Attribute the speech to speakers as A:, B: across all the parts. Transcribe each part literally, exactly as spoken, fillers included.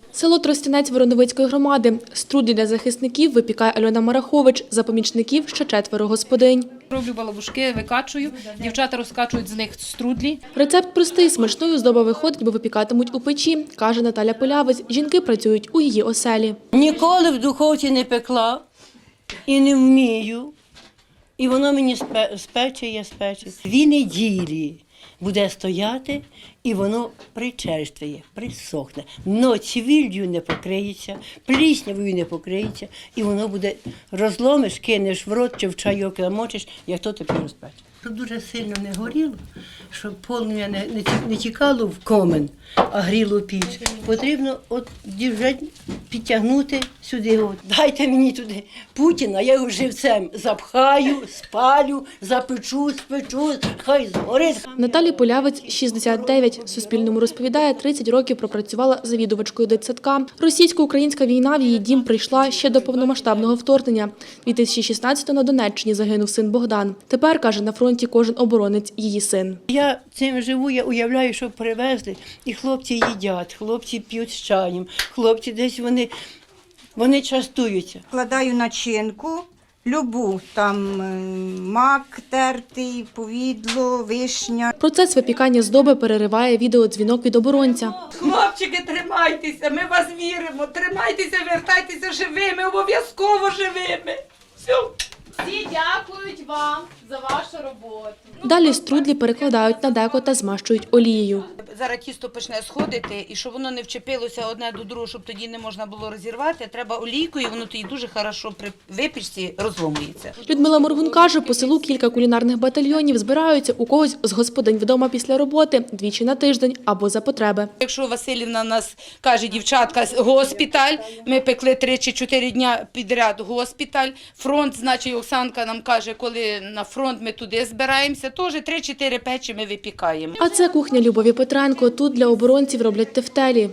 A: Село Тростянець Вороновицької громади. Струдлі для захисників випікає Альона Марахович, за помічників ще четверо господинь.
B: Роблю балабушки, викачую, дівчата розкачують з них струдлі.
A: Рецепт простий, смачною здоба виходить, бо випікатимуть у печі, каже Наталя Полявець. Жінки працюють у її оселі.
C: Ніколи в духовці не пекла і не вмію. І воно мені спече, я спече. Дві неділі буде стояти, і воно причерствує, присохне. Но цвіллю не покриється, пліснявою не покриється, і воно буде, розломиш, кинеш в рот чи в чайок намочиш, як то тобі розпече. Щоб дуже сильно не горіло, щоб полум'я не, не, не тікало в комен, а гріло піч, потрібно от вже підтягнути сюди. От. Дайте мені туди Путіна, я його живцем запхаю, спалю, запечу, спечу, хай згорить.
A: Наталі Полявець – шістдесят дев'ять. Суспільному розповідає, тридцять років пропрацювала завідувачкою дитсадка. Російсько-українська війна в її дім прийшла ще до повномасштабного вторгнення. дві тисячі шістнадцятого на Донеччині загинув син Богдан. Тепер, каже, на фронті кожен оборонець – її син.
C: Я цим живу, я уявляю, що привезли, і хлопці їдять, хлопці п'ють з чаєм, хлопці десь вони, вони частуються.
D: Вкладаю начинку, любу, там е, мак тертий, повідло, вишня.
A: Процес випікання здоби перериває відеодзвінок від оборонця.
E: Хлопчики, тримайтеся, ми вас віримо, тримайтеся, вертайтеся живими, обов'язково живими. Все.
F: Всі дякують вам за вашу роботу.
A: Далі струдлі перекладають на деко та змащують олією.
E: Зараз тісто почне сходити, і щоб воно не вчепилося одне до другого, щоб тоді не можна було розірвати, треба олійкою, воно тоді дуже хорошо при випічці розломується.
A: Людмила Моргун каже, по селу кілька кулінарних батальйонів збираються у когось з господинь вдома після роботи двічі на тиждень або за потреби.
E: Якщо Василівна нас каже, дівчатка, госпіталь, ми пекли три чи чотири дня підряд госпіталь, фронт, значить Оксанка нам каже, коли на фронт ми туди збираємося, теж три-чотири печі ми випікаємо.
A: А це кухня Любові Петренко. Тут для оборонців роблять тефтелі.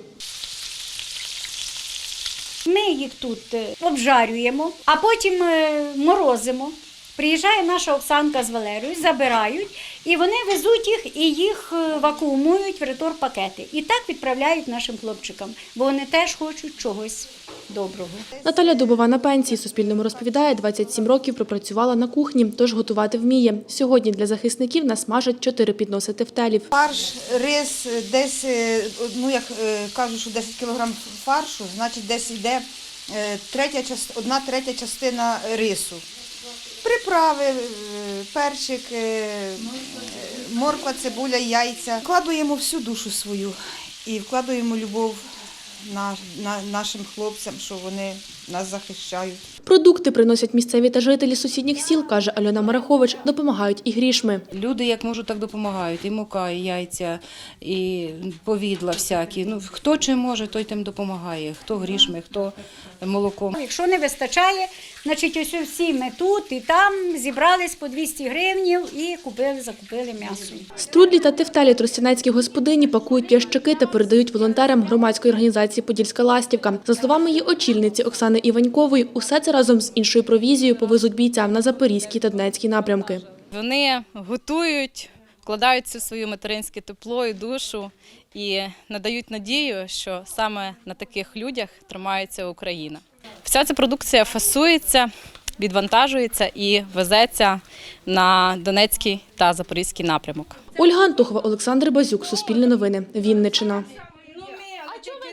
G: Ми їх тут обжарюємо, а потім морозимо. Приїжджає наша Оксанка з Валерією, забирають, і вони везуть їх і їх вакуумують в ретор-пакети. І так відправляють нашим хлопчикам, бо вони теж хочуть чогось доброго.
A: Наталя Дубова на пенсії. Суспільному розповідає, двадцять сім років пропрацювала на кухні, тож готувати вміє. Сьогодні для захисників насмажать чотири підноси тефтелів.
H: Фарш, рис, десь, ну як кажуть, що десять кілограм фаршу, значить десь йде третя, одна третя частина рису. Приправи, перчик, морква, цибуля, яйця. Вкладуємо всю душу свою і вкладуємо любов на, на, нашим хлопцям, що вони нас захищають.
A: Продукти приносять місцеві та жителі сусідніх сіл, каже Альона Марахович, допомагають і грішми.
B: Люди як можуть, так допомагають. І мука, і яйця, і повідла всякі. Ну, хто чим може, той тим допомагає. Хто грішми, хто молоком.
G: Якщо не вистачає, значить ось всі ми тут і там зібрались по двісті гривнів і купили, закупили м'ясо.
A: Струдлі та тефтелі тростянецькі господині пакують в ящики та передають волонтерам громадської організації «Подільська ластівка». За словами її очільниці Оксани Іванькової, усе це разом з іншою провізією повезуть бійцям на Запорізький та Донецький напрямки.
I: Вони готують, вкладаються в своє материнське тепло і душу і надають надію, що саме на таких людях тримається Україна. Вся ця продукція фасується, відвантажується і везеться на Донецький та Запорізький напрямок.
A: Ольга Антохова, Олександр Базюк, Суспільне новини, Вінниччина.